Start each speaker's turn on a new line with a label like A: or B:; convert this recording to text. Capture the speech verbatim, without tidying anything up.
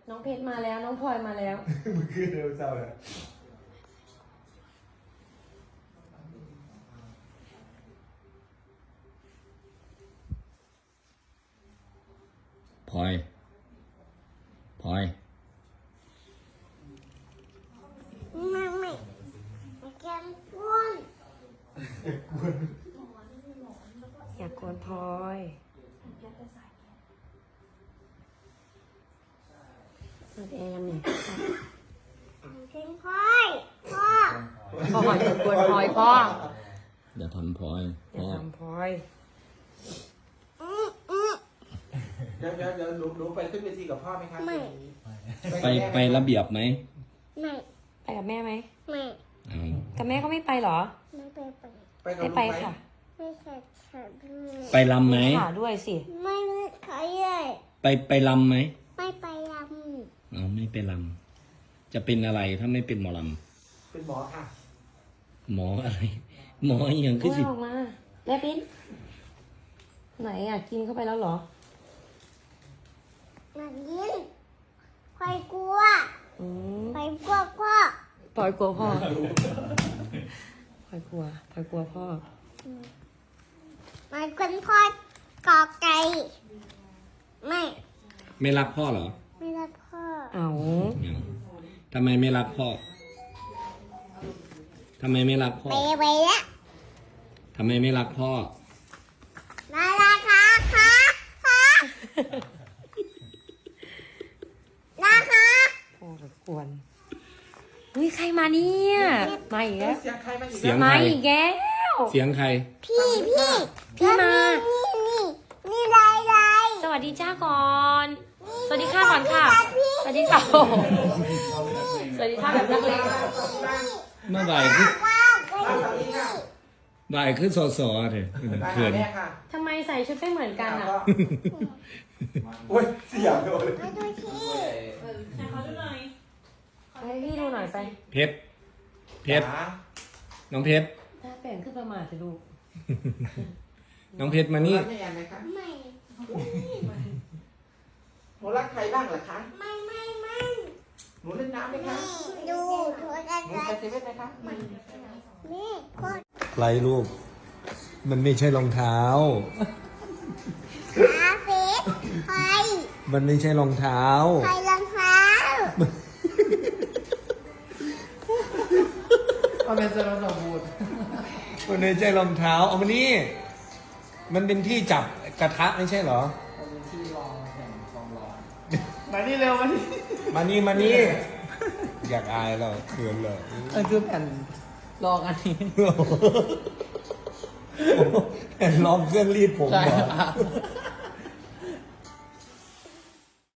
A: น้องเพชรมาแล้วน้องพลอยมาแล้ว
B: มันคือเร็วเจ้าเลย
C: พลอยพลอย
D: ไม่ไม่แกมก้น
A: อยากกวนพลอยเปิดแอร์ยังไง
D: เพลงพลอยพ่อ
A: พ่ออยากกวนพลอยพ่อ
C: อย่าทำพลอย
A: อย่าทำพลอย
B: เดี๋ยวเดี๋ยวเดี๋ยวหนูหนูไปขึ้นเวทีกับพ่อไหมครับไม่
C: ไปไประเบียบไหม
D: ไม่
A: ไปกับแม่ไหม
D: ไม่
A: กับแม่ก็ไม่ไปหรอ
D: ไม่ไปไป
A: ไม่ไปค่ะ
D: ไม่ใช่ขาด้วย
C: ไปลำไหม
A: ขาด้วยสิ
D: ไม่ไม่ขาด้วย
C: ไปไปลำไหม
D: ไม่ไปล
C: ำเอาไม่ไปลำจะเป็นอะไรถ้าไม่เป็นหมอล
B: ำเป็นหมอค่ะ
C: หมออะไรหมออย่างคือสิ
A: ออกมาแม่ปิ้นไหนอ่ะกินเข้าไปแล้วเหรอ
D: หนักยินใครกลัวใครกลัวพ่อ
A: พลอยกลัวพ่อพลอยกลัวพลอยกลัวพ่อ
D: มันคนพ่อกอไก่ไม่
C: ไม่รักพ่อเหรอ
D: ไม่รักพ่อ
A: เอา
C: ทำไมไม่รักพ่อทำไมไม่รักพ่อ
D: ไปไปแล้ว
C: ทำไมไม่รักพ่อ
D: น่ารักค่ะค่ะค่ะนะคะ
A: พ่อจะกวนอุ้ยใครมาเนี่ยมาอีกแล้ว
B: เสียงใครมาอีก
C: เสียง
A: มา
C: ใคร
A: อีกแล้ว
C: เสียงใคร
D: พี่พี่
A: พี่มา
D: นี่นี่นี่ลายลาย
A: สวัสดีจ้าก่อนสวัสดีค่ะก่อนค่ะสวัสดีค่ะสวัสดีค่ะแบบนักเลง
C: เมื่อบ่ายคือ
D: ว้าวไปนี่
C: บ่ายคือสอสอเถอะเขิน
A: ทำไมใส่ชุดไม่เหมือนกันอ่ะ
B: โอ้ยเสียงเลย
D: มาดูที่
A: ให้เขาดูหน่อยให้พี่ดูหน่อยไป
C: เพชรเพชรน้องเพชร
A: ถ้าแปลงขึ้นประมาทจะดู
C: น้องเพชรมานี่
B: ไม่แอนไหมคะ
D: ไม่
B: หนูรักใครบ้างล่ะคะ
D: ไม่ไม่ไม่
B: หนูเล่นน้ำไหมคะ
D: ดูดูอะไร
B: หนูไปเซเว่นไหมคะ
D: นี่คน
C: ใครลูกมันไม่ใช่รองเท้า
D: ขาเฟสใคร
C: มันไม่ใช่รองเท้า
D: ใครรองเท้า
B: มันเป็นสารสมบูรณ์
C: มันไม่ใช่รองเท้าเอามานี่มันเป็นที่จับกระทะไม่ใช่เหรอ
B: มันเป็นที่รองแห่งความร้อนมานี่เร็วมานี่
C: มานี่มานี่อยากอายเราเขินเลย
B: เออคือแผ่นรองอันนี้
C: แผ่นรองเครื่องรีดผมเหรอ